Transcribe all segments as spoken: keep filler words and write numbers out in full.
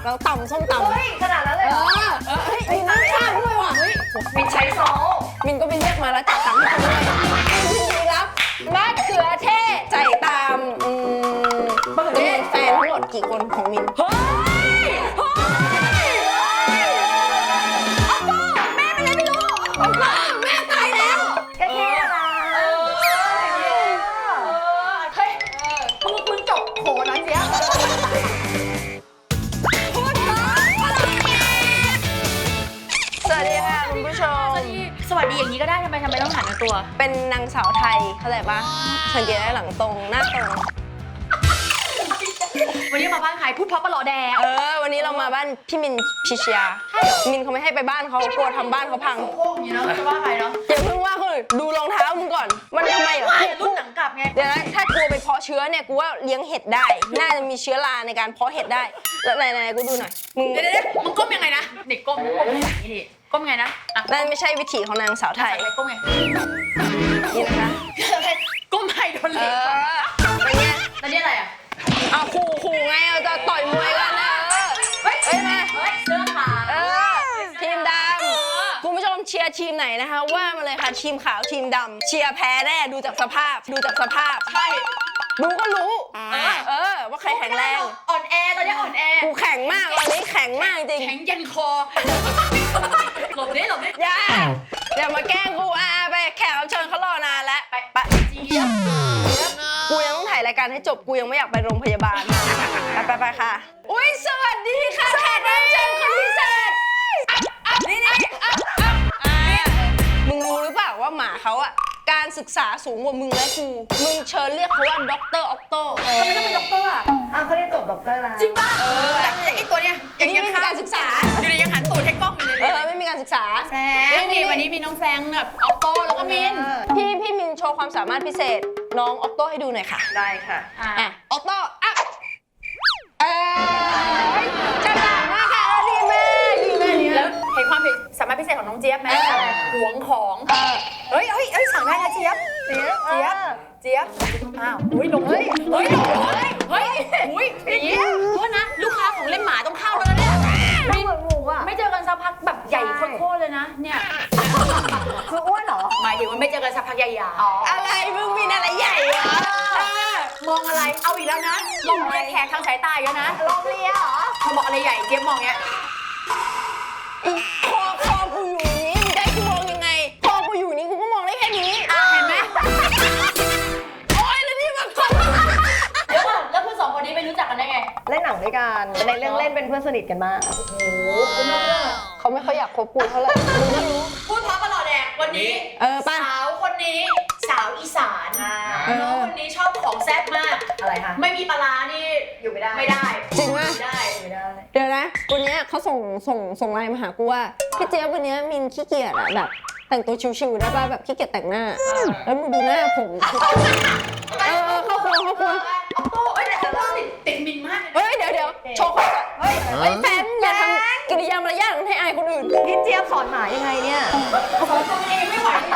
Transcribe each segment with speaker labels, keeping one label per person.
Speaker 1: แล้วตำส้มตำ
Speaker 2: เฮ้ยขนาดนั้นเลย
Speaker 1: เอ
Speaker 2: เหรอ
Speaker 1: อเฮ้ยมีน้ำข้าวด้วยว่ะ
Speaker 2: มินใช้ซอส
Speaker 1: มินก็ไปเรียกมาแล้วจ่ายตังค์ให้เขาด้วยมินรับมะเขือเทศจ่ายตามอืมจำนวนแฟนทั้งหมดกี่คนของมินเฮ้ยเฮ้ยเอาพ่อแม่เป็นอะไรไม่รู้เอาพ่อแม่ตายแล้ว
Speaker 2: แค่นี้นะ
Speaker 1: เออเฮ้ยมึงมึงจบโหน้อยเสียพูดเถอะสวัสดีค่ะคุณผู้ชม
Speaker 3: สวัสดีอย่างนี้ก็ได้ทำไมทำไมต้องหันตัว
Speaker 1: เป็นนางสาวไทยเข้าใจปะสังเกตได้หลังตรงหน้าตรง
Speaker 3: วันนี้มาบ้านใครพูดเพราะปลาหลอแดง
Speaker 1: เออวันนี้เรามาบ้านพี่มินพิชยามินเขาไม่ให้ไปบ้านเขากลัวทำบ้านเขาพัง
Speaker 3: โค้งอย่างนี้เนาะจะว่าใครเนาะ
Speaker 1: อย่าเพิ่งว่าคนอื่นดูรองเท้ามึงก่อนมันทำไมเหรอ
Speaker 3: ว่ารุ่นหนังกลับไง
Speaker 1: เดี๋ยวนะถ้ากลัวไปเพาะเชื้อเนี่ยกูว่าเลี้ยงเห็ดได้ น่าจะมีเชื้อราในการเพาะเห็ดได้แล้วไหนๆกูดูหน่อยมึง
Speaker 3: เดี๋ยวเดี๋ยวมึงก้มยังไงนะเด็กก้มก้มอย่างนี้ดิก้มไงนะอ่ะ
Speaker 1: นั่นไม่ใช่วิถีของนางสาวไทย
Speaker 3: อะไรก้มไง
Speaker 1: นี่นะคะ
Speaker 3: ก้มให้โดน
Speaker 1: เอ
Speaker 3: เล็ก
Speaker 1: อเป็นไง
Speaker 3: แล้วนี่อะไรอ่ะ
Speaker 1: เอาขู่ขู่ไงเราจะต่อยมวยกันนะเออเฮ้ยมา
Speaker 3: เฮ้ยเสื้อขาว
Speaker 1: เออทีมดำคุณผู้ชมเชียร์ทีมไหนนะคะว่ามาเลยค่ะทีมขาวทีมดำเชียร์แพ้แน่ดูจากสภาพดูจากสภาพ
Speaker 3: ใช่
Speaker 1: ดูก็รู้
Speaker 3: เออ
Speaker 1: เออว่าใครแข็งแรง
Speaker 3: อ่อนแอตอนนี้อ่อนแอ
Speaker 1: กูแข็งมากตอนนี้แข็งมากจริง
Speaker 3: แข็งยันคอหลบดิหลบดิ
Speaker 1: อย่าอย่ามาแกล้งกูอ่ะไปแขกรับเชิญเขารอนานแล้ว
Speaker 3: ไป
Speaker 1: ไป
Speaker 3: เจี๊ยบ
Speaker 1: กูยังต้องถ่ายรายการให้จบกูยังไม่อยากไปโรงพยาบาลไปไปไปค่ะอุ้ยสวัสดีค่ะแขกรับเชิญคนพิเศษนี่นี่มึงรู้หรือเปล่าว่าหมาเขาอ่ะการศึกษาสูงกว่ามึงและกูมึงเชิญเรียกเขาว่าด็อกเตอร์ออกโต้
Speaker 3: ทำไมต้องเป็นด็อกเตอร์อ่ะ
Speaker 2: อ้าวเขาเรียนจบด็อกเตอร์แล้ว
Speaker 3: จริงป่ะเออไอ้ตัวเนี้ย
Speaker 1: อันนี้ไม่มีการศึกษา
Speaker 3: อยู่ในยังหันตูดให้กล้องอยู่เลย
Speaker 1: เออไม่มีการศึกษา
Speaker 3: แฟงนี่วันนี้มีน้องแฟงแบบออโต้แล้วก็มิน
Speaker 1: พี่พี่มินโชว์ความสามารถพิเศษน้องออกโต้ให้ดูหน่อยค่ะ
Speaker 2: ได้ค่ะ
Speaker 1: อ่ะออกโต้อ่ะเอ้ยฉลาดมากค่ะเออดีมากดีมากดี
Speaker 3: แล้
Speaker 1: มาว ก
Speaker 3: เห็นความสามารถพิเศษของน้องเจี๊ยบไหม
Speaker 1: เออ
Speaker 3: หวงของ
Speaker 1: เออ
Speaker 3: เฮ้ยเฮ้ยเฮ้ยสั่งได้นะเจี๊ยบ
Speaker 2: เจี๊ยบ
Speaker 3: เจี๊ยบเจี๊ยบอ้าวอุ้ยลงเฮ้ยเฮ้ยลงเฮ้ยเฮ้ยอุ้ยเจี๊ยบโทษนะลูกค้าของเล่นหมาต้องเข้าแล้วนะเนี่ย
Speaker 2: ไม่เหมือนหมูอ่ะ
Speaker 3: ไม่เจอกันสักพักแบบใหญ่โคตรๆเลยนะเนี่ย
Speaker 2: คืออ้วนเหรอ
Speaker 3: หมายถึงว่าไม่เจอกันสักพักใหญ่ๆ
Speaker 1: อะไรมึงมีอะไรใหญ่วะเออ
Speaker 3: มองอะไรเอาอีกแล้วนะลงเรียกแขกทางสายตาอีกแล้วนะ
Speaker 2: ลมเลียเหรอ
Speaker 3: พอบอกอะไรใหญ่เจี๊ยบมองเงี้ย
Speaker 1: คอคอกูอยู่อย่างนี้มึงได้กูมองยังไงคอกูอยู่นี้กูก็มองได้แค่นี้
Speaker 3: อ่ะเห็นไหม
Speaker 1: โอ๊ยแล้วนี่มันคน
Speaker 3: เดี๋ยวก่อนแล้วเพื่อนสองคนนี้ไปรู้จักกันได้ไง
Speaker 2: เล่นหนังด้วยกันในเรื่องเล่นเป็นเพื่อนสนิทกันมาก
Speaker 3: โอ้โหคุณน้องเรื่อง
Speaker 1: เขาไม่ค่อยอยากคบกูเท่าไหร่มึงไม่รู้
Speaker 3: พูดเพราะตลอดแดกวันนี้
Speaker 1: เออป่ะ
Speaker 3: สาวคนนี้สาวอีสาน
Speaker 1: เออ
Speaker 3: น้องคนนี้ชอบของแซ่บมาก
Speaker 2: อะไรคะ
Speaker 3: ไม่มีปลาร้านี่
Speaker 2: อยู่ไม่ได้
Speaker 3: ไม่ได้
Speaker 1: จริงป่ะ
Speaker 3: ไม่ได้
Speaker 2: อยู่ไม่ได้
Speaker 1: เดี๋ยวนะวันเนี้ยเขาส่งส่งส่งไลน์มาหากูว่าพี่เจี๊ยบวันเนี้ยมินขี้เกียจอะแบบแต่งตัวชิวๆได้ป่ะแบบขี้เกียจแต่งหน้า แล้วมึงดูหน้าผมเออเออเข้าครัวเข้าครัว
Speaker 3: ออโต้เอ้ยแต่ออโต้ติดติดมินมากเลยนะ
Speaker 1: เฮ้ยเดี๋ยวเดี๋ยวโชว์เขาก่อนเฮ้ยเฮ้ยแฟนอย่าทำกิริยามารยาทให้อายคนอื่น
Speaker 2: พี่เจี๊ยบสอนหมายังไงเนี่ย
Speaker 3: สอนตัวเองไม่ไหวเลย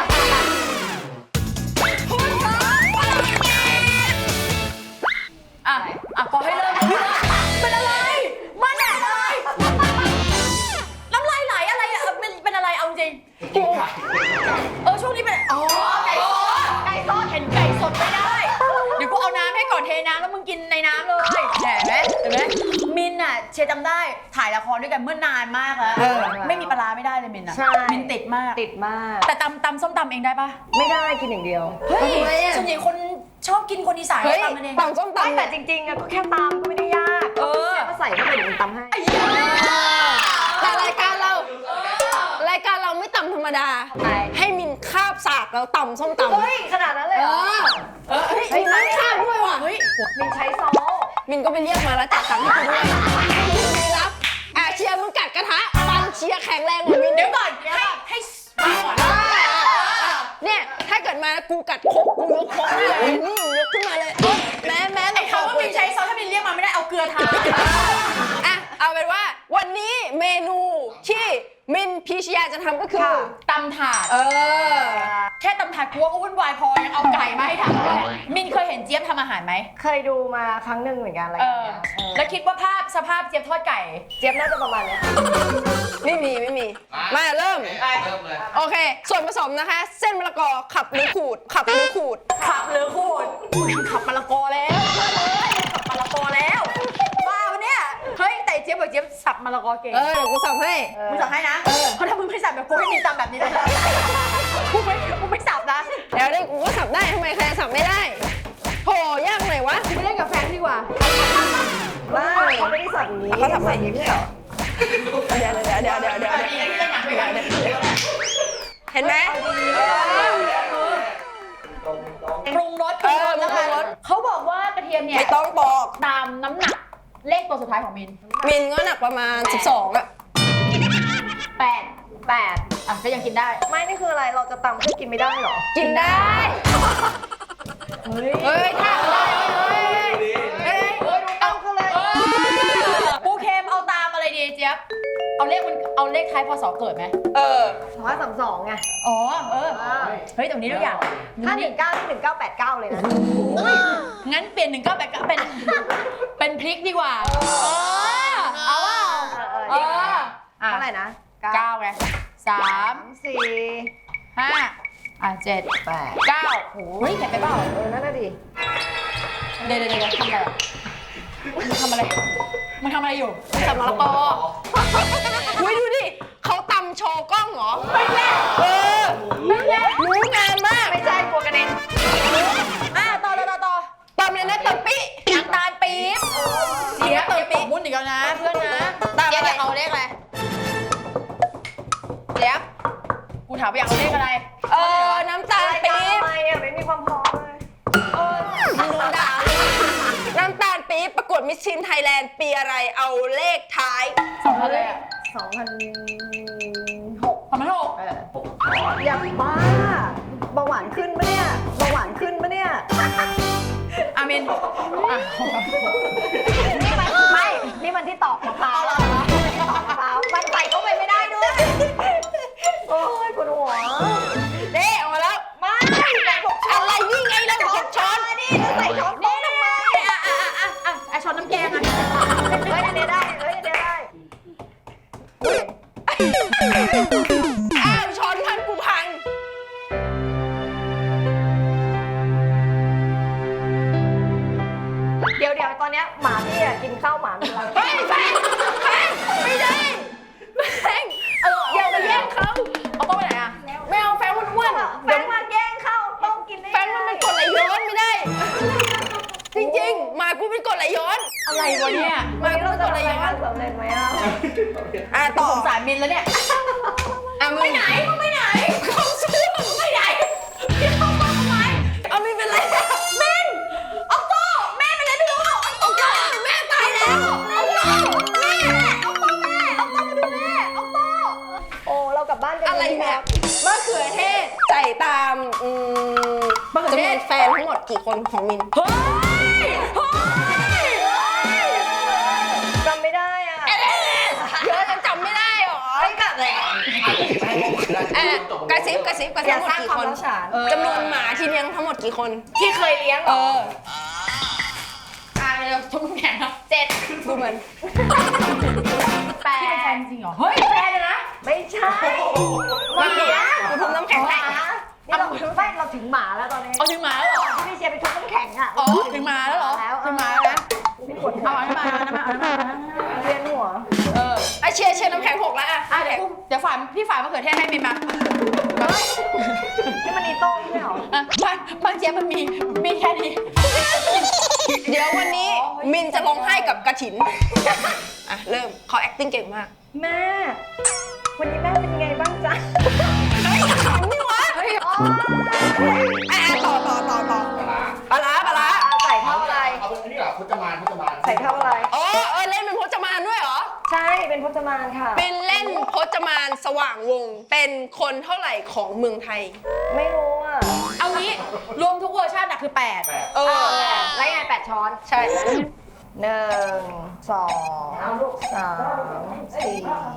Speaker 3: อ่ะ อ่ะพอให้เริ่มเป็นอะไรมาแหละเลยน้ำลายไหลอะไรอ่ะเป็นเป็นอะไรเอาจริงเออช่วงนี้เป็นอ๋อไก่สดไก่สดเห็นไก่สดไม่ได้เดี๋ยวกูเอาน้ำให้ก่อนเทน้ำแล้วมึงกินในน้ำเลยเห็นไหมเห็นไหมมินอ่ะเชียร์จำได้ถ่ายละครด้วยกันเมื่อนานมากแล้วไม่มีปลาร้าไม่ได้เลยมินอ่ะ
Speaker 2: ใช่
Speaker 3: มินติดมาก
Speaker 2: ติดมาก
Speaker 3: แต่ตำตำส้มตำเองได้ปะ
Speaker 2: ไม่ได้กินอย่างเดียว
Speaker 3: เฮ้ย
Speaker 1: ทำไมอะ
Speaker 3: ส่วนใหญ่คนชอบกินคนอีสาน
Speaker 1: เฮ้ย
Speaker 3: ตำมันเอง
Speaker 1: ตำส้ม
Speaker 2: ไม่
Speaker 1: ตำ
Speaker 2: แต่
Speaker 1: เนี่ย
Speaker 2: จริงๆอะก็แค่ตำก็ไม่ได้ยาก
Speaker 3: เออ
Speaker 2: ก็ใส่เข้าไปเดี๋ยวมันตำให้
Speaker 1: แต่รายการเรา รายการเราไม่ตำธรรมดา ให้มินคาบสากแล้วตำส้มตำ
Speaker 2: เฮ้ยขนาดนั้นเลย
Speaker 1: เอ
Speaker 2: เหรอ
Speaker 1: อเออเฮ้ยมินคาบด้วยว่ะ
Speaker 3: เฮ้ย
Speaker 2: มินใช้ซอส
Speaker 1: มินก็ไปเรียกมาแล้วจ่ายตังค์ให้เขาด้วยมินรับอ่ะเชียร์มึงกัดกระทะฟันเชียร์แข็งแรงกว่ามิน
Speaker 3: เดี๋ยวก่อนให้ให้ฟังก่อน
Speaker 1: อ่าเนี่ยถ้าเกิดมากูกัดครกกูยกครกเลยนี่ยกขึ้นมาเลยแม้แม้
Speaker 3: ไอ้คำว่ามินใช้ซอสถ้ามินเรียกมาไม่ได้เอาเกลือทา
Speaker 1: อ่ะเอาเป็นว่าวันนี้เมนูที่มินพีชยาจะทำก็คือ
Speaker 2: ค่ะ
Speaker 3: ตำถาด
Speaker 1: เออ
Speaker 3: แค่ตำถาดกลัวก็วุ่นวายพอยังเอาไก่มาให้ทำด้วยมินเคยเห็นเจี๊ยบทำอาหารไหม
Speaker 2: เคยดูมาครั้งหนึ่งเหมือนกันอะไร
Speaker 3: เอ
Speaker 2: อย่าง
Speaker 3: อ
Speaker 2: เงี้ยเออ
Speaker 3: แล้วคิดว่าภาพสภาพเจี๊ยบทอดไก่
Speaker 2: เจี๊ยบน่าจะประมาณเนี้ย
Speaker 1: ไม่มีไม่มี มาเริ่ม
Speaker 4: เริ่มเลย
Speaker 1: โอเค ส่วนผสมนะคะ เส้นมะละกอขับหรือขูด ขับหรือขูด
Speaker 3: ขับหรือขูดขับมะละกอแล้วขับมะละกอแล้วบ้าปะเนี่ยเฮ้ยแต่เจี๊ยบบอกเจี๊ยบสับมะละกอเก่ง
Speaker 1: เออเดี๋ยวกูสับให้
Speaker 3: มึงสั่งให้นะเพราะถ้ามึงไม่สับแบบกูให้มินตำแบบนี้เลยกูไม่กูไม่สับนะ
Speaker 1: เดี๋ยวนี้กูก็สับได้ทำไมใครสับไม่ได้โหยากไหนวะ
Speaker 3: กูไปเล่นกับแฟนดีกว่า
Speaker 2: บ้าเขาไม่ได้สับอย่างนี้
Speaker 1: เขาสับใหม่
Speaker 2: อย่างนี้ไม่ใช่เหรอ
Speaker 1: เดี๋ยวเดี๋ยวเดี๋ยวเดี๋ยวเดี๋ยว
Speaker 3: ดีนะที่เล่นหนังด้วยกัน
Speaker 1: เห็นไหม
Speaker 3: ปรุงรสปรุงรสแล้วกันเขาบอกว่ากระเทียมเนี่ย
Speaker 1: ไม่ต้องบอก
Speaker 3: ตามน้ำหนักเลขตัวสุดท้ายของมิน
Speaker 1: มินก็หนักประมาณสิบสองอะ
Speaker 3: แปด
Speaker 2: แปด
Speaker 3: อ่ะก็ยังกินได้
Speaker 2: ไม่นี่คืออะไรเราจะตำเพื่อกินไม่ได้เหรอ
Speaker 1: กินได้
Speaker 2: เฮ้ย
Speaker 1: เฮ้ยถ้าได้เฮ้ย
Speaker 3: เฮ้ย
Speaker 2: เฮ้ยดูตำกันเลย
Speaker 3: ปูเค็มเอาตามอะไรดีเจี๊ยบเอาเลขมันเอาเลขท้ายพศเกิดไหม
Speaker 1: เออ
Speaker 2: สองห้าสามสองไง
Speaker 3: อ๋อเออ
Speaker 2: อ่า
Speaker 3: เฮ้ยตรงนี้ทุกอย่าง
Speaker 2: ถ้าหนึ่งเก้าที่หนึ่งเก้าแปดเก้าเลยนะ
Speaker 3: งั้นเปลี่ยนหนึ่งเก้าแปดเก้าเป็นเป็นพริกดีกว่าเออเอาเปล่า
Speaker 2: เออ
Speaker 3: เอออ่ะ
Speaker 2: เท่าไหร่นะ
Speaker 3: เก้าไงสาม
Speaker 2: สามสี่
Speaker 3: ห้าอ่ะเจ็ด
Speaker 2: แปด
Speaker 3: เก้าโอ้ยเห็นไปเปล่า
Speaker 2: เออนั่นน่ะดิ
Speaker 3: เดี๋ยวเดี๋ยวเดี๋ยวทำอะไรอ่ะมึงทำอะไรมึงทำอะไรอยู่
Speaker 1: สับมะละกออุ้ยดูดิเขาตำโชว์กล้องเหรอ ไม่แน่เออไม่แน่รู้งานมาก
Speaker 2: ไม่ใช่กลัวกระเด็น
Speaker 3: อ่ะต่อต่อต่อต่อ
Speaker 1: ตำเลยนะตำปิ
Speaker 3: น้ำตาลปี๊บเจี๊ยบเจี๊ยบตกมุ่นอีกแล้วนะเพื่อนนะเจี๊ยบอยากเอาเลขอะไรเจี๊ยบกูถามว่าอยากเอาเลขอะไร
Speaker 1: เออน้ำตาลปี๊บ
Speaker 2: ทำไมอ่ะไม่มีความพร้อมเลย
Speaker 1: มึงโดนด่าเลยน้ำตาลปี๊บประกวดมิสซินไทยแลนด์ปีอะไรเอาเลขท้าย
Speaker 3: สองพันเลยอ่ะ
Speaker 2: สองพันหก
Speaker 3: สองพันหก
Speaker 2: เอออย่าบ้าเบาหวานขึ้นปะเนี่ยเบาหวานขึ้นปะเนี่ย
Speaker 3: อามินอ่ะ
Speaker 2: นี่มันไม่ นี่มันที่ตอกมะพร้าวที่ตอกมะพร้าวมันใส่เข้าไปไม่ได้ด้วย โอ้ยปวดหัว
Speaker 1: เด้ออกมาแล้ว
Speaker 2: ไม่ใส่หกช้อน
Speaker 1: อะไรนี่ไงเราเก็บช้อน
Speaker 2: นี่แล้วใส่ช้อนโต๊ะทำไม
Speaker 3: อ่ะอ่ะอ่ะอ่ะอ่ะช้อนน้ำแกงอ่ะ
Speaker 2: เฮ้ยอันนี้ได้เฮ้ยอันนี้ได้
Speaker 1: อ้าวช้อนพันกูพัง
Speaker 2: เดี๋ยวเดี๋ยวตอนเนี้ยหมาพี่อะกินข้าวหมาเป็นไร
Speaker 1: เฮ้ยแฟงแฟงไม่ได้แฟงเอออย่าไปแย่งเขา
Speaker 3: เอาโต๊ะไปไหนอ่ะ
Speaker 1: ไม่เอาแฟงอ้วนๆ
Speaker 2: แฟ
Speaker 1: เดี๋ย
Speaker 2: น
Speaker 1: ว
Speaker 2: มาแย่งข้าวต้องกินได้
Speaker 1: แฟงมันเป็นกรดไหลย้อนไม่ได้ จริงๆหมากูเป็นกรดไหลย้อน
Speaker 3: อะไรวะเนี่ย
Speaker 1: หมากู
Speaker 2: เรา
Speaker 1: เป็นก
Speaker 2: จะ
Speaker 1: รดไหล
Speaker 2: ราย
Speaker 1: ย้อง
Speaker 2: าน นสำเร็จไหมอ่ะ
Speaker 1: อ่ะ
Speaker 3: ต่
Speaker 1: ต่
Speaker 3: อ
Speaker 1: อ
Speaker 3: สงสารมินแล้วเนี่ย
Speaker 1: อ่ะมึงไปไหนมึงไปไหนเขาเชื่อมึงไปไหนเข้ามาทำไมเอามินเป็นไรมินเอาโต้แม่เป็นไรไม่รู้เอาโต้แม่ตายแล้วเอาโต้แม่เอาโต้แม่เอาโต้มาดูแม่เอาโต้
Speaker 2: โอ้เรากลับบ้านกัน
Speaker 1: อะไรเนี่ยมะเขือเทศใส่ตามอืม
Speaker 3: มะเขือ
Speaker 1: จำ
Speaker 3: เท
Speaker 1: นว
Speaker 3: ศ
Speaker 1: นแฟนทั้งหมดกี่คนของมิน
Speaker 3: เฮ้ยเฮ้ย
Speaker 2: จำไม่ได้อ่ะ
Speaker 1: เยอะยังจำไม่ได้หรอ
Speaker 2: ไอ้กัดเลย
Speaker 1: อ่ะกระซิบกระซิบกระซิบทั้งหมดกี่คน
Speaker 2: เออ
Speaker 1: จำนวนหมาที่เลี้ยงทั้งหมดกี่คน
Speaker 2: ที่เคยเลี้ยง
Speaker 1: เออ
Speaker 3: อ่ะเดี๋ยวทุ่มแข็งครับเจ็ด
Speaker 1: ดูเหมือน
Speaker 3: แปดที่เป็นแฟนจริงเหรอ เฮ้ยแฟนเลยนะ
Speaker 2: ไม่ใช่
Speaker 1: หมากูทุบน้ำแข็ง
Speaker 2: ห
Speaker 1: แต
Speaker 2: มาก นี่เราไม่เราถึงหมาแล้วตอนนี้
Speaker 3: เอาถึงหมาแล้วเหรอ
Speaker 2: ที่พี่เชียร์ไปทุบน้ำแข็งอ่ะ
Speaker 3: อ๋อถึงหมาแล้วเหรอ
Speaker 2: แล้ว
Speaker 3: ถึงหมาแล้วนะ
Speaker 2: ไม่กด
Speaker 3: เอาอันนั้นมาอันนั้นมาอันนั้นมาอันนั้นมา
Speaker 2: เวียนหัว
Speaker 1: เออไอเชียร์เชียร์น้ำแข็งหกแล้วอ่ะ
Speaker 3: อ่ะเดี๋ยวกูเดี๋ยวฝานพี่ฝานมะเขือเทศให้มินมา
Speaker 2: นี่มันอีโต้ไม่ใช่เหรอ
Speaker 3: อ่ะบางบางเจี๊ยบมันมีมีแค่นี้
Speaker 1: เดี๋ยววันนี้มินจะร้องไห้กับกระถินอ่ะเริ่มเขา acting เก่งมาก
Speaker 2: แม่ วันนี้แม่เป็นยังไงบ้างจ๊ะ
Speaker 1: เฮ้ยขำนี่วะ
Speaker 3: เฮ้ย
Speaker 2: อ๋อ
Speaker 1: อ่ะต่อต่อต่อต่อปลาร้าปลาร้า
Speaker 2: ใส่เท่าอะไร
Speaker 4: เอาเป็นอันนี้เหรอพจมานพจมาน
Speaker 2: ใส่เท่าอะไร
Speaker 1: อ๋อเออเล่นเป็นพจมานด้วยเหรอ
Speaker 2: ใช่ เป็นพจมานค่ะ
Speaker 1: เป็นเล่นพจมานสว่างวงศ์เป็นคนเท่าไหร่ของเมืองไทย
Speaker 2: ไม่รู้อ่ะ
Speaker 3: เอางี้รวมทุกเวอร์ชันอะคือแปด
Speaker 4: แปด
Speaker 1: เออ
Speaker 2: แล้วยังไงแปดช้อน
Speaker 1: ใช่
Speaker 2: หนึ่ง สองสามสี่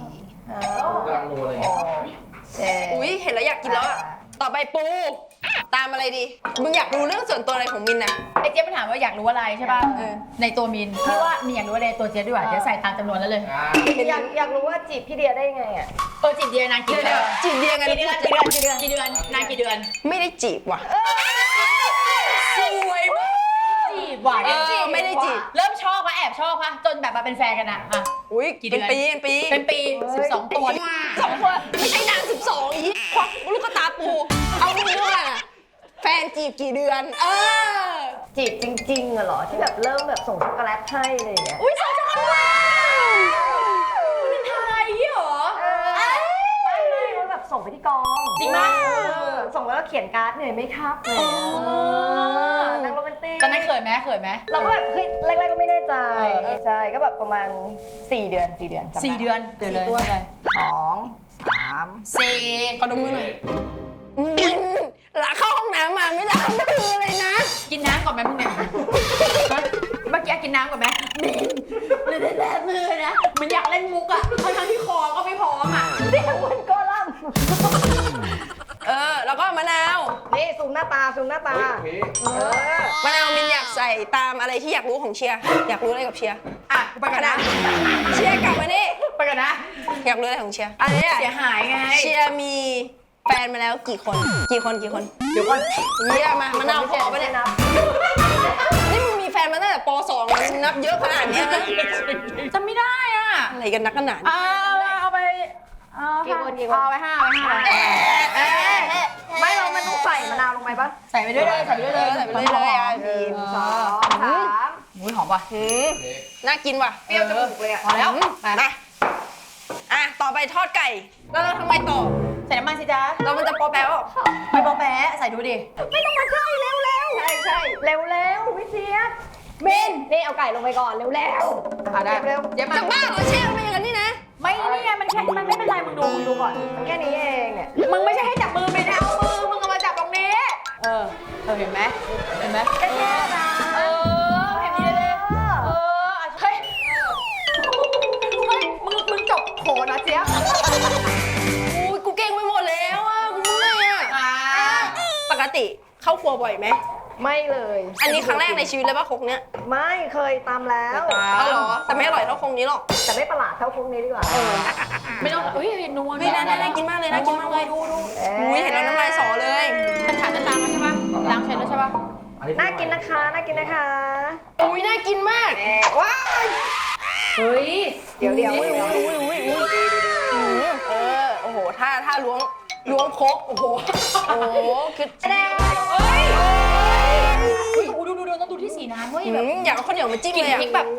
Speaker 4: กำลังโรยอะไรอย่างเงี้ย
Speaker 1: อุ้ยเห็นแล้วอยากกินแล้วอ่ะต่อไปปูตามอะไรดีมึงอยากรู้เรื่องส่วนตัวอะไรของมินนะ
Speaker 3: ไอ้เจ๊ไปถามว่าอยากรู้อะไรใช่ป่ะ
Speaker 1: เออ
Speaker 3: ในตัวมินพี่ว่ามีอยากรู้อะไรในตัวเจ๊ดีกว่าเดี๋ยวใส่ตามจำนวนแล้วเลย
Speaker 4: อ่า
Speaker 2: อยากอยากรู้ว่าจีบพี่เดียได้ยังไงอ่ะ
Speaker 3: เออจีบเดียนานกี่เดือน
Speaker 1: จีบเดียกัน
Speaker 3: กี่เดือนกี่เดือนกี่เดือนกี่เดือนนานกี่เดือน
Speaker 1: ไม่ได้จีบว่ะ
Speaker 3: สวยมากจีบว่ะ
Speaker 1: เออไม่ได้จีบ
Speaker 3: เริ่มชอบปะแอบชอบปะจนแบบมาเป็นแฟนกันอะอ่ะ
Speaker 1: อุ้ย
Speaker 3: กี่เดื
Speaker 1: เป็
Speaker 3: อน น
Speaker 1: ปีเป็นปี
Speaker 3: เป็นปีสิบสองตัว
Speaker 1: สองคนไม่ใช่นางสิบสองอีควักลูกตาปูเอาเรื่องอะแฟนจีบกี่เดือน เออ
Speaker 2: จีบจริงๆอะเหรอที่แบบเริ่มแบบส่งช็อกโกแลตให้อะไรอย่างเงี้ย
Speaker 3: อุ้ยสองจังหวะมันเป็นไทยเหรอ
Speaker 2: เออไม่ไม่ว่าแบบส่งไปที่กอง
Speaker 3: จริงปะ
Speaker 2: เออส่งแล้วก็เขียนการ์ดเหนื่อยไหมครับอะไรอย่างเงี้ยเออนั่งโรแมนติก
Speaker 3: ตอนนั้นเขินไหมเขินไหม
Speaker 2: เราก็แบบเฮ้ยแรกๆก็ไม่แน่ใจใช่ก็แบบประมาณสี่เดือนสี่เดือนจำไ
Speaker 3: สี่เดือนเดือนเลยตัวอะไร
Speaker 2: สองสาม
Speaker 3: สี่
Speaker 1: ขอดมมือหน่อยอืมหลังเข้าห้องน้ำมาไม่ล้างมือเลยนะ
Speaker 3: กินน้ำก่อนไหมมึงเนี่ยฮะเมื่อกี้กินน้ำก่อนไหมมินไม่ได้แลมือนะมันอยากเล่นมุกอะทั้งๆที่คอก็ไม่พร้อมอะ
Speaker 2: เสียงเหมือนกอลัมน์
Speaker 1: เออ แล้วก็มะนาว
Speaker 2: นี่ซูมหน้าตาซูมหน้าตา
Speaker 4: โอเค
Speaker 2: เออ
Speaker 1: มะนาวมินอยากใส่ตามอะไรที่อยากรู้ของเชียร์ อยากรู้อะไรกับเชียร์
Speaker 3: อ่ะกูไปกันนะ
Speaker 1: เชียร์กลับมานี่
Speaker 3: ไปกันนะ
Speaker 1: อยากรู้อะไรของเชียร์อันนี้
Speaker 3: เสียหายไง
Speaker 1: เชียร์มีแฟนมาแล้วกี่คน กี่คนกี่คน
Speaker 3: เดี๋ยวก่อน
Speaker 1: เยี่ยมมามะนาวขอปะเนี่ย
Speaker 2: นับ
Speaker 1: นี่มึงมีแฟนมาตั้งแต่ป สองแล้วมึงนับเยอะขนาดเนี้ยนะ
Speaker 3: จำไม่ได้อ่ะ
Speaker 1: อะไรกันนักกันหนา
Speaker 3: เอาเอาไปเอา
Speaker 2: กี่คนกี่คน
Speaker 3: เอาไปห้าเอาไปห้า
Speaker 1: เอ๊ะเอ๊ะ
Speaker 2: ไม่เรามันต้องใส่มะนาวลงไปปะ
Speaker 3: ใส่ไปด้วยเลยใส่ไปด้วยเลย
Speaker 1: ใส่ไปเรื่อยๆอ่ะ
Speaker 2: หนึ่งสองสาม
Speaker 3: อุ้ยหอมป่ะ
Speaker 1: หืมน่ากินว่ะ
Speaker 2: เปรี้ยวจมูกเลยอะ
Speaker 3: พอแล้ว
Speaker 1: มาอ่ะ ต่อไปทอดไก่ แล้วเราทำไมต่อ
Speaker 3: ใส่น้ำมันสิจ๊ะ
Speaker 1: เรามันจะปอแป๊ว
Speaker 3: ไปปอแปะใส่ดูดิ
Speaker 2: ไม่ต้องมาใกล้เร็วเร็วใช่ใช่เร็วเร็วพี่เจี๊ยบเบนนี่เอาไก่ลงไปก่อนเร็วเร็ว
Speaker 3: อ่ะได้
Speaker 2: เร็ว
Speaker 3: เจ๊มา
Speaker 1: จะบ้าเหรอเช่มันอย่างนั้นนี่นะ
Speaker 3: ไม่นี่ไงมันแค่มันไม่เป็นไรมึงดูมึงดูก่อน
Speaker 2: มันแค่นี้เองเนี่ย
Speaker 3: มึงไม่ใช่ให้จับมือไม่ได้เอามือมึงเอามาจับตรงนี้ เออเออเห็นไหมเห็นไหม
Speaker 2: แค่แค่นะ
Speaker 3: เออเห็นนี้เลยเอออ่ะเฮ้ยเฮ้ยมึงมึงจบโขนนะเจี๊ยบ
Speaker 1: อุ้ยกูเก่งไปหมดแล้วอ่ะ กูเมื่อยอ่ะ
Speaker 3: อ่า
Speaker 1: ปกติเข้าครัวบ่อยไหม
Speaker 2: ไม่เลย
Speaker 1: อันนี้ครั้งแรกในชีวิตเลยป่ะครกเนี้ย
Speaker 2: ไม่เคยตามแล้ว
Speaker 1: เอาเหรอ แต่ไม่อร่อยเท่าครกนี้หรอก
Speaker 2: แต่ไม่ประหลาดเท่าพวกนี้ดีกว่า
Speaker 3: ไม่ต้องอุ้ยนัว
Speaker 1: เฮ้ยน่าน่ากินมากเลยน่ากินมากเลย
Speaker 3: ดูดู
Speaker 1: อุ้ยเห็นแล้วน้ำลายสอเลย
Speaker 3: เป็นถาดจะล้างแล้วใช่ปะล้างเสร็จแล้วใช่ปะ
Speaker 4: อันนี้
Speaker 2: น่ากินนะคะน่ากินนะคะ
Speaker 1: อุ้ยน่ากินมาก
Speaker 2: ว้าย
Speaker 3: เฮ้ย
Speaker 2: เดี๋ยวเดี๋ยว
Speaker 1: อุ้ย
Speaker 2: เดี๋ยว
Speaker 1: อุ้ยอุ้ยอุ้ยอืมเออ โอ้โห ถ้าถ้าล้วงล้วงครกโอ้โห โอ้โห คือ
Speaker 3: แดงเฮ้ยเฮ้ยดูดูดูต้องดูที่สีน้ำเว้ย
Speaker 1: อื
Speaker 3: แบบ
Speaker 1: มอยากเอาข้าวเหนียวมาจิ้ม
Speaker 3: กลิ่น
Speaker 1: เลยอ่ะ
Speaker 3: พริกแบบ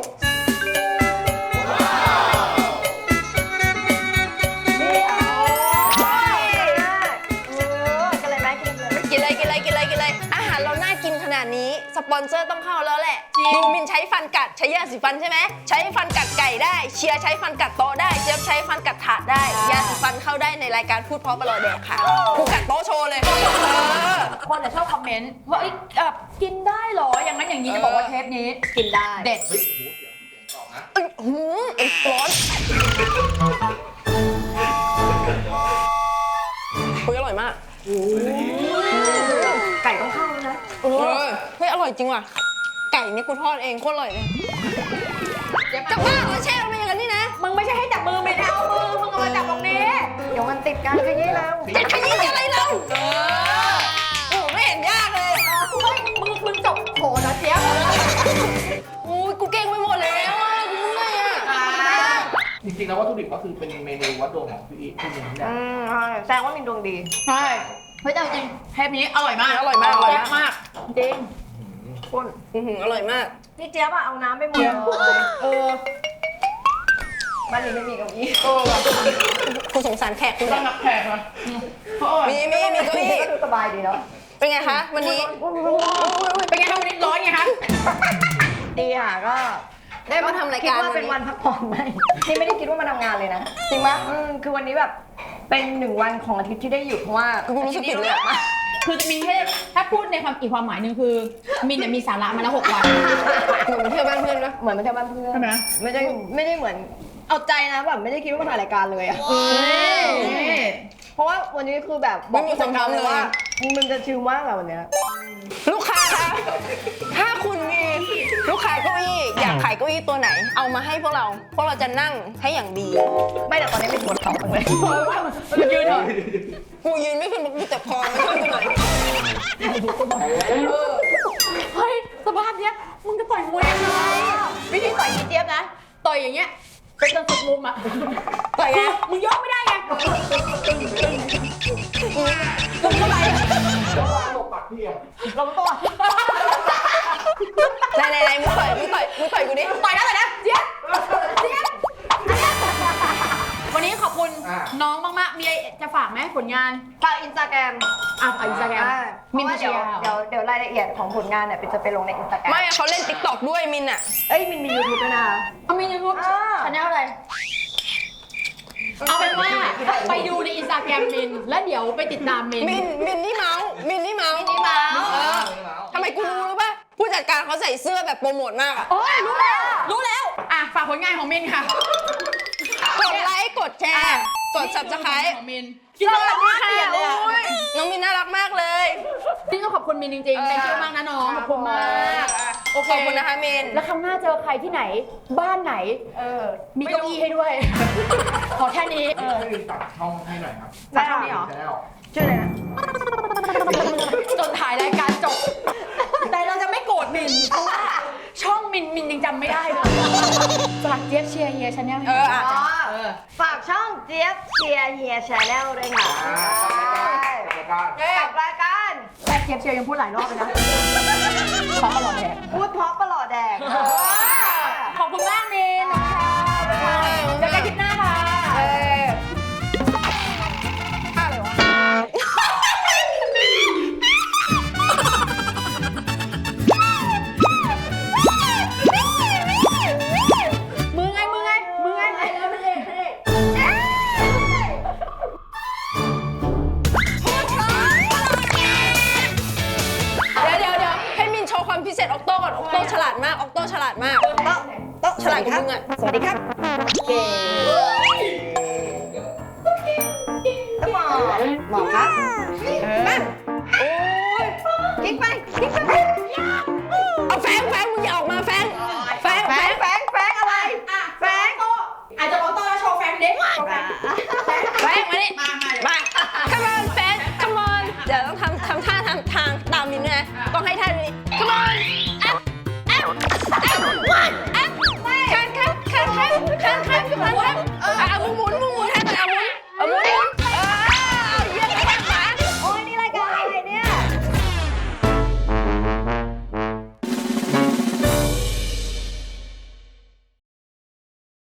Speaker 2: กันเลยไหมกินเลย
Speaker 1: กินเลยกินเลยกินเลยกินเลย อาหารเราน่ากินขนาดนี้ สปอนเซอร์ต้องเข้าแล้วแหละ ดูมินใช้ฟันกัด ใช้ยาสีฟันใช่ไหม ใช้ฟันกัดไก่ได้ เชียร์ใช้ฟันกัดโต๊ะได้ เจี๊ยบใช้ฟันกัดถาดได้ ยาสีฟันเข้าได้ในรายการพูดเพราะประหลอดแดกค่ะกูกัดโต๊ะโชว์เลย เออ
Speaker 3: คนจะชอบคอมเมนต์ว่าเอ้ยแบบกินได้เหรอ อย่างนั้นอย่างนี้จะบอกว่าเทปนี้
Speaker 2: กินได้
Speaker 3: เด็ด
Speaker 4: เฮ้ยโหเสียงเสียงต่อนะ
Speaker 1: อื้อหือเอ็นร้อนคุยอร่อยมาก
Speaker 2: ไก่ต้องเข้าแล้วนะ
Speaker 1: เออเฮ้ยอร่อยจริงว่ะ ไก่เนี่ยกูทอดเองโคตรอร่อยเลย
Speaker 3: เจ๊มา
Speaker 1: จะบ้าเหรอแช่มันเป็นอย่างนั้นนี่นะ
Speaker 3: มึงไม่ใช่ให้จับมือไม่ได้เอามือมึงเอามาจับตรงนี้
Speaker 2: เดี๋ยวมันติดกันขยี้แล้ว
Speaker 1: จะขยี้อะไรเราเออโอ้ไม่เห็นยากเลย
Speaker 3: เฮ้ยมึงมึงจบโขนนะเจี๊ยบ
Speaker 1: อุ้ยกูเก่งไปหมดแล้วอ่ะกูเมื่อยอ่ะ
Speaker 3: อ่า
Speaker 4: จริงๆแล้ววัตถุดิบก็คือเป็นเมนูวัดดวงของพี่อีพี่มินเนี่ย
Speaker 2: อืมแสดงว่ามินดวงดี
Speaker 3: ใช่เฮ้ยแต่จริงเทปนี้อร่อยมาก
Speaker 1: อร่อยมากอร่อย
Speaker 3: แซ่บ
Speaker 1: มาก
Speaker 3: มากจริง
Speaker 2: คุณ
Speaker 1: อื้อหืออร่อยมาก
Speaker 2: พี่เจี๊ยบอะเอาน้ำไปหมดเลย
Speaker 3: เออ
Speaker 2: บ้านนี้ไม่มีเก้าอี้
Speaker 3: เออว่ะ
Speaker 1: คุณสงสารแขกคุณ
Speaker 3: ต้องรับแขกมาเพราะว่า
Speaker 1: มีมีมีเก้าอี้
Speaker 2: ก็ดูสบายดีเนาะ
Speaker 1: เป็นไงคะวันนี้
Speaker 3: เป็นไงครับวันนี้ร้อนไงคะ
Speaker 2: ดีค่ะก็
Speaker 1: ได้มาทำราย
Speaker 2: คิด
Speaker 1: การ
Speaker 2: ว่า
Speaker 1: วัน
Speaker 2: เป็น
Speaker 1: นี้
Speaker 2: วันพักผ่อนไหมนี่ไม่ได้คิดว่ามาทำงานเลยนะ
Speaker 1: จริงปะ
Speaker 2: อืมคือวันนี้แบบเป็นหนึ่งวันของอาทิตย์ที่ได้หยุดเพราะว่า
Speaker 1: กูรู้สึกผิดเลยอะ
Speaker 3: คือจะมีแค่ถ้าพูดในความอีกความหมายหนึ่งคือมินเนี่ยมีสาระมาแล้วหกวัน
Speaker 1: เหมือนเที่ยวบ้านเพื่อนด้วย
Speaker 2: เหมือนมาเที่ยวบ้านเพื่อน
Speaker 3: ใช่ไหม
Speaker 2: ไม่ได้ไม่ได้เหมือนเอาใจนะแบบไม่ได้คิดว่ามาถ่ายรายการเลยอะเพราะว่าวันนี้คือแบบบอกผู้จัดการเลยว่ามันจะชิลมากอะวันเนี้ย
Speaker 1: ลูกค้าคะถ้าคุณมีลูกค้าเก้าอี้อยากขายเก้าอี้ตัวไหน เอามาให้พวกเรา พวกเราจะนั่งให้อย่างดี
Speaker 2: ไม่แต่ตอนนี้เป็นปวดเข่าเลย
Speaker 3: มันยืนเถอะ
Speaker 1: กูยืนไม่ขึ้นกูเจ็บคอไม่ขึ้นหน่อย
Speaker 3: เฮ้ยสภาพเนี้ยมึงจะต่อยมวยยังไงวิธีต่อยเจี๊ยบนะต่อยอย่างเงี้ยเป็นจนสุดมุมอ่ะ
Speaker 1: ต่อยไง
Speaker 3: มึงยกไม่ได้ไง
Speaker 1: มึงเท่าไหร่
Speaker 4: ตกปักเที่ยง
Speaker 2: ลงตัว
Speaker 1: ไหนไหนไหนมึงต่อยมึงต่อยมึงต่อยกูดิ
Speaker 3: ต่อยนะต่อยนะเจี๊ยบเจี๊ยบวันนี้ขอบคุณน้องมากๆมีอะไรจะฝากไหมผลงาน
Speaker 2: ฝากอินสตาแกรม
Speaker 3: อ่ะฝากอินสตาแกรม
Speaker 2: มินเดี๋ยวเดี๋ยวเดี๋ยวรายละเอียดของผลงานเนี่ยเป็นจะไปลงในอินสตาแกรม
Speaker 1: ไม่เขาเล่นติ๊กต็อกด้วยมินอะ
Speaker 2: เอ้ยมินมียูทูบด้วยนะ
Speaker 3: เอามียูทูบ
Speaker 2: อ่า
Speaker 3: ชาแนลอะไร เอาเป็นว่าไปดูในอินสตาแกรมมิน แล้วเดี๋ยวไปติดตามมิน
Speaker 1: มินมินนี่เมาส์มินนี่เมาส์
Speaker 2: นี่มา
Speaker 1: เออทำไมกูรู้รู้ป่ะผู้จัดการเขาใส่เสื้อแบบโปรโมทมากอะ
Speaker 3: โอ้ยรู้แล้ว รู้แล้ว อ่ะ ฝากผลงานของมินค่ะ
Speaker 1: กดไลค์กดแชร์กด subscribe
Speaker 3: ของมิน
Speaker 1: สวัสดีค่ะ
Speaker 3: เปลี่ยนเลยอะ
Speaker 1: โอ้ยน้องมินน่ารักมากเลย
Speaker 3: พี่ต้องขอบคุณมินจริงๆ เป็นชื่อมากนะน้อง ขอบคุณมาก โอเค
Speaker 1: ขอบคุณนะคะมิน
Speaker 3: แล้วครั้งหน้าเจอใครที่ไหน บ้านไหน
Speaker 2: เออ
Speaker 3: มีเก้าอี้ให้ด้วย ขอแค่นี้
Speaker 4: ให้ลินตัดช่องให้หน่อยครับ
Speaker 2: ได้เท่านี้เหรอ
Speaker 4: แล้ว
Speaker 2: ชื่ออะไรนะ
Speaker 3: จนถ่ายรายการจบ แต่เราจะไม่โกรธมิน เพราะว่าช่องมินมินยังจำไม่ได้เลยฝากเจี๊ยบเชียร์เฮียชาแนลให้
Speaker 1: เออ
Speaker 3: หน่
Speaker 1: อ่ะ
Speaker 3: ย
Speaker 2: อ๋อ
Speaker 3: เออ
Speaker 2: ฝากช่องเจี๊ยบเชียร์เฮียชาแนลด้วยค่ะ
Speaker 4: อ่าจัดการ
Speaker 2: กับรายการ
Speaker 3: แต่เจี๊ยบเชียร์ยังพูดหลายรอบเลยนะขอตลอดแหละ
Speaker 2: พูดเพราะประหลอดแดก
Speaker 3: ขอบคุณมากมินนะคะเจอกันคลิปหน้าค่ะ
Speaker 1: เออท่าอะไรวะ
Speaker 3: มือไงมือไงมือไงเออไม่ได้ไม่ได้
Speaker 1: เดี๋ยวเดี๋ยวเดี๋ยวให้มินโชว์ความพิเศษออกโต้ก่อนออกโต้ฉลาดมากออกโต้ฉลาดมาก
Speaker 2: โต๊ะโต๊ะ
Speaker 1: ฉลาดกว่ามึงอะ
Speaker 2: สวัสดีครับเก่งต้องหมอหมอครับมา
Speaker 1: โอ้ย
Speaker 2: คลิกไปคลิกไป
Speaker 1: เอาแฟงแฟงมึงอย่าออกมาแฟงแฟง
Speaker 2: แฟ
Speaker 1: แฟ
Speaker 2: ง
Speaker 1: ง
Speaker 2: แฟงแฟงอะไร
Speaker 3: อ่ะแฟงโตอาจจะโอโต้แล้วโชว์แฟงเด็กโชว์แฟง
Speaker 1: แฟงมาดิ
Speaker 3: มามา
Speaker 1: มา